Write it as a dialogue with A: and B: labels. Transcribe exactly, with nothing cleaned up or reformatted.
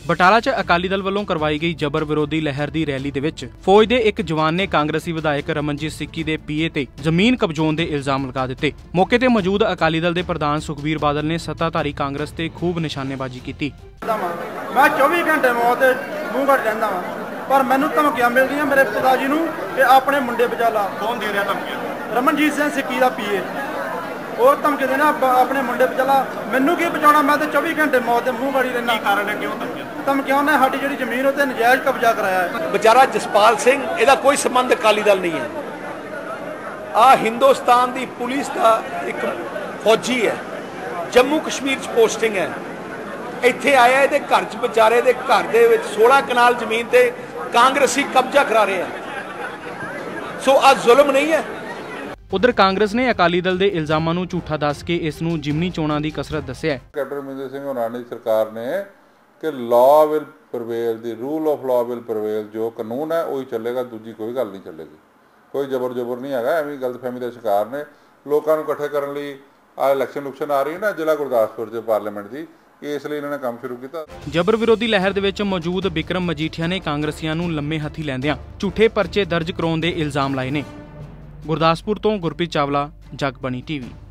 A: ਬਟਾਲਾ 'ਚ ਅਕਾਲੀ ਦਲ ਵੱਲੋਂ ਕਰਵਾਈ ਗਈ ਜਬਰ ਵਿਰੋਧੀ ਲਹਿਰ ਦੀ ਰੈਲੀ ਦੇ ਵਿੱਚ ਫੌਜ ਦੇ ਇੱਕ ਜਵਾਨ ਨੇ ਕਾਂਗਰਸੀ ਵਿਧਾਇਕ ਰਮਨਜੀਤ ਸਿੱਕੀ ਦੇ ਪੀਏ ਤੇ ਜ਼ਮੀਨ ਕਬਜ਼ੋਣ ਦੇ ਇਲਜ਼ਾਮ ਲਗਾ ਦਿੱਤੇ। ਮੌਕੇ ਤੇ ਮੌਜੂਦ ਅਕਾਲੀ ਦਲ ਦੇ ਪ੍ਰਧਾਨ ਸੁਖਬੀਰ ਬਾਦਲ ਨੇ ਸੱਤਾਧਾਰੀ ਕਾਂਗਰਸ ਤੇ ਖੂਬ ਨਿਸ਼ਾਨੇਬਾਜ਼ੀ ਕੀਤੀ।
B: ਮੈਂ ਚੌਵੀ ਘੰਟੇ ਮੌਤ ਦੇ ਮੂੰਹ ਘੜ ਰਹਿੰਦਾ ਵਾਂ, ਪਰ ਮੈਨੂੰ ਧਮਕੀਆਂ ਮਿਲਦੀਆਂ ਮੇਰੇ ਪਿਤਾ ਜੀ ਨੂੰ ਕਿ ਆਪਣੇ ਮੁੰਡੇ ਬਚਾ ਲਾ। ਕੌਣ ਦੇ ਰਿਹਾ ਧਮਕੀਆਂ? ਰਮਨਜੀਤ ਸਿੰਘ ਸਿੱਕੀ ਦਾ ਪੀਏ। ਉਹ ਧਮਕੀ ਦੇਣਾ ਆਪਣੇ ਮੁੰਡੇ ਬਚਾ, ਮੈਨੂੰ ਕੀ ਬਚਾਉਣਾ, ਮੈਂ ਤਾਂ ਚੌਵੀ ਘੰਟੇ ਮੌਤ ਦੇ ਮੂੰਹ ਗਾੜੀ ਰਹਿਣਾ। ਕੀ ਕਾਰਨ ਹੈ, ਕਿਉਂ ਧਮਕੀਆਂ? ਧਮਕੀਆਂ ਨੇ ਸਾਡੀ ਜਿਹੜੀ ਜ਼ਮੀਨ ਉੱਤੇ ਨਜਾਇਜ਼ ਕਬਜ਼ਾ ਕਰਾਇਆ ਹੈ।
C: ਵਿਚਾਰਾ ਜਸਪਾਲ ਸਿੰਘ, ਇਹਦਾ ਕੋਈ ਸੰਬੰਧ ਅਕਾਲੀ ਦਲ ਨਹੀਂ ਹੈ। ਆ ਹਿੰਦੁਸਤਾਨ ਦੀ ਪੁਲਿਸ ਦਾ ਇੱਕ ਫੌਜੀ ਹੈ, ਜੰਮੂ ਕਸ਼ਮੀਰ 'ਚ ਪੋਸਟਿੰਗ ਹੈ, ਇੱਥੇ ਆਇਆ, ਇਹਦੇ ਘਰ 'ਚ ਵਿਚਾਰੇ ਦੇ ਘਰ ਦੇ ਵਿੱਚ सोलह ਕਨਾਲ ਜ਼ਮੀਨ ਤੇ ਕਾਂਗਰਸੀ ਕਬਜ਼ਾ ਕਰਾ ਰਹੇ ਆ। ਸੋ ਆ ਜ਼ੁਲਮ ਨਹੀਂ ਹੈ।
A: ਉਧਰ ਕਾਂਗਰਸ ਨੇ ਅਕਾਲੀ ਦਲ ਦੇ ਇਲਜ਼ਾਮਾਂ ਨੂੰ ਝੂਠਾ ਦੱਸ ਕੇ ਇਸ ਨੂੰ ਜਿਮਨੀ ਚੋਣਾਂ ਦੀ ਕਸਰਤ ਦੱਸਿਆ ਹੈ।
D: ਕੈਪਟਨ ਅਮਰਿੰਦਰ ਸਿੰਘ ਹੋਰਾਂ ਦੀ ਸਰਕਾਰ ਨੇ ਕਿ law will prevail, the rule of law will prevail, ਜੋ ਕਾਨੂੰਨ ਹੈ ਉਹੀ ਚੱਲੇਗਾ, ਦੂਜੀ ਕੋਈ ਗੱਲ ਨਹੀਂ ਚੱਲੇਗੀ। ਕੋਈ ਜ਼ਬਰ ਜ਼ਬਰ ਨਹੀਂ ਹੈਗਾ। ਐਵੇਂ ਗਲਤਫਹਿਮੀ ਦਾ ਸ਼ਿਕਾਰ ਨੇ। ਲੋਕਾਂ ਨੂੰ ਇਕੱਠੇ ਕਰਨ ਲਈ ਆ ਇਲੈਕਸ਼ਨ ਲੁਕਸ਼ਨ ਆ ਰਹੀ ਹੈ ਨਾ ਜ਼ਿਲ੍ਹਾ ਗੁਰਦਾਸਪੁਰ 'ਚ ਪਾਰਲੀਮੈਂਟ ਦੀ, ਇਸ ਲਈ ਇਹਨਾਂ ਨੇ ਕੰਮ ਸ਼ੁਰੂ ਕੀਤਾ। ਜਬਰ
A: ਵਿਰੋਧੀ ਲਹਿਰ ਦੇ ਵਿੱਚ ਮੌਜੂਦ ਬਿਕਰਮ ਮਜੀਠੀਆ ਨੇ ਕਾਂਗਰਸੀਆਂ ਨੂੰ ਲੰਮੇ ਹੱਥੀ ਲੈਂਦਿਆਂ ਝੂਠੇ ਪਰਚੇ ਦਰਜ ਕਰਾਉਣ ਦੇ ਇਲਜ਼ਾਮ ਲਾਏ ਨੇ। ਗੁਰਦਾਸਪੁਰ ਤੋਂ ਗੁਰਪ੍ਰੀਤ ਚਾਵਲਾ, ਜਗਬਾਣੀ ਟੀਵੀ।